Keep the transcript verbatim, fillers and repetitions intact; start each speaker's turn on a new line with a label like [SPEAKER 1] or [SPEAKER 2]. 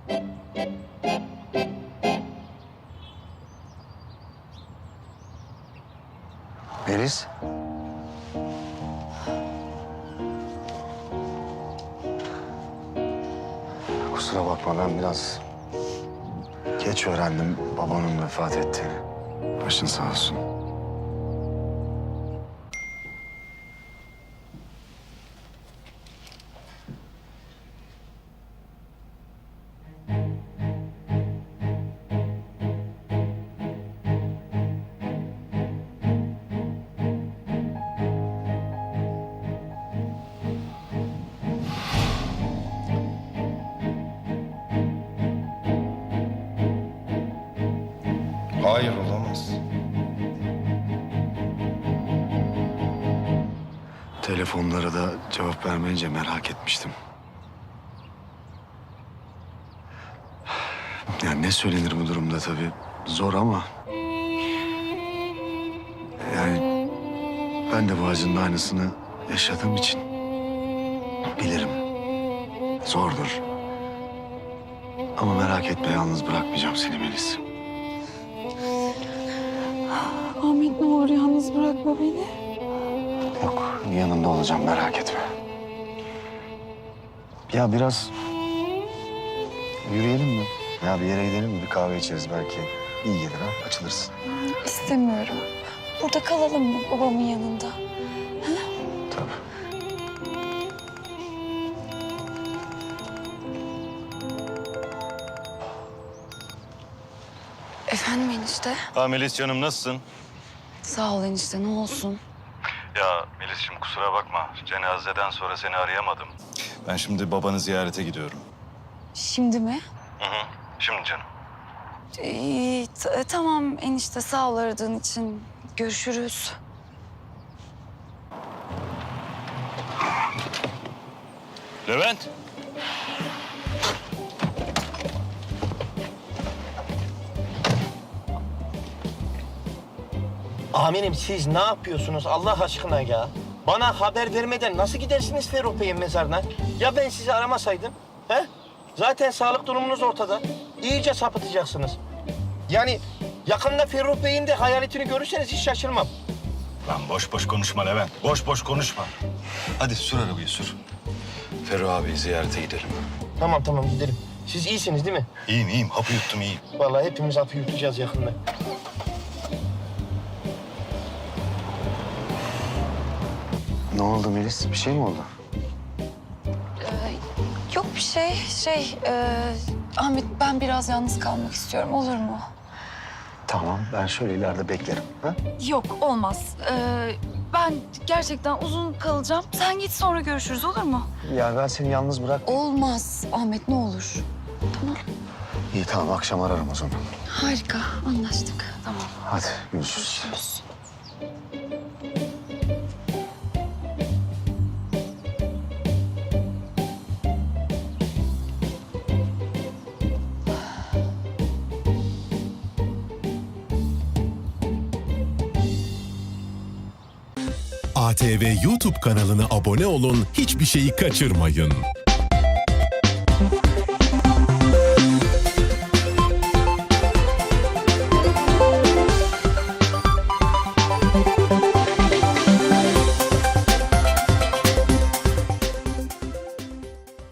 [SPEAKER 1] Melis. Kusura bakma, ben biraz geç öğrendim babanın vefat ettiğini. Başın sağ olsun.
[SPEAKER 2] Hayır, olamaz.
[SPEAKER 1] Telefonlara da cevap vermeyince merak etmiştim. Yani ne söylenir bu durumda tabii. Zor ama... Yani ben de bu acının aynısını yaşadığım için bilirim. Zordur. Ama merak etme, yalnız bırakmayacağım seni Melis.
[SPEAKER 3] Ahmet, ne olur yalnız bırakma beni.
[SPEAKER 1] Yok, yanında olacağım, merak etme. Ya biraz yürüyelim mi? Ya bir yere gidelim mi? Bir kahve içeriz belki. İyi gelir ha, açılırsın.
[SPEAKER 3] İstemiyorum. Burada kalalım mı babamın yanında?
[SPEAKER 1] Tabii.
[SPEAKER 3] Efendim enişte?
[SPEAKER 4] Ha Melis canım, nasılsın?
[SPEAKER 3] Sağ ol enişte, ne olsun?
[SPEAKER 4] Ya Melis'ciğim kusura bakma. Cenazeden sonra seni arayamadım. Ben şimdi babanı ziyarete gidiyorum.
[SPEAKER 3] Şimdi mi?
[SPEAKER 4] Hı hı. Şimdi canım.
[SPEAKER 3] Ee, t- tamam enişte, sağ ol aradığın için. Görüşürüz.
[SPEAKER 4] Levent.
[SPEAKER 5] Amirim, siz ne yapıyorsunuz Allah aşkına ya? Bana haber vermeden nasıl gidersiniz Ferruh Bey'in mezarına? Ya ben sizi aramasaydım? He? Zaten sağlık durumunuz ortada. İyice sapıtacaksınız. Yani yakında Ferruh Bey'in de hayaletini görürseniz hiç şaşırmam.
[SPEAKER 4] Lan boş boş konuşma Levent. Boş boş konuşma. Hadi sür arabayı sür. Ferruh abiyi ziyarete gidelim.
[SPEAKER 5] Tamam tamam gidelim. Siz iyisiniz değil mi?
[SPEAKER 4] İyiyim iyiyim. Hapı yuttum iyiyim.
[SPEAKER 5] Vallahi hepimiz hapı yutacağız yakında.
[SPEAKER 1] Ne oldu Melis? Bir şey mi oldu?
[SPEAKER 3] Ee, yok bir şey. Şey, e, Ahmet, ben biraz yalnız kalmak istiyorum. Olur mu?
[SPEAKER 1] Tamam, ben şöyle ileride beklerim. Ha?
[SPEAKER 3] Yok, olmaz. Ee, ben gerçekten uzun kalacağım. Sen git, sonra görüşürüz, olur mu?
[SPEAKER 1] Ya ben seni yalnız bırak.
[SPEAKER 3] Olmaz Ahmet, ne olur. Tamam.
[SPEAKER 1] İyi tamam, akşam ararım o zaman.
[SPEAKER 3] Harika, anlaştık. Tamam.
[SPEAKER 1] Hadi görüşürüz.
[SPEAKER 3] Görüşürüz.
[SPEAKER 6] A T V YouTube kanalına abone olun, hiçbir şeyi kaçırmayın.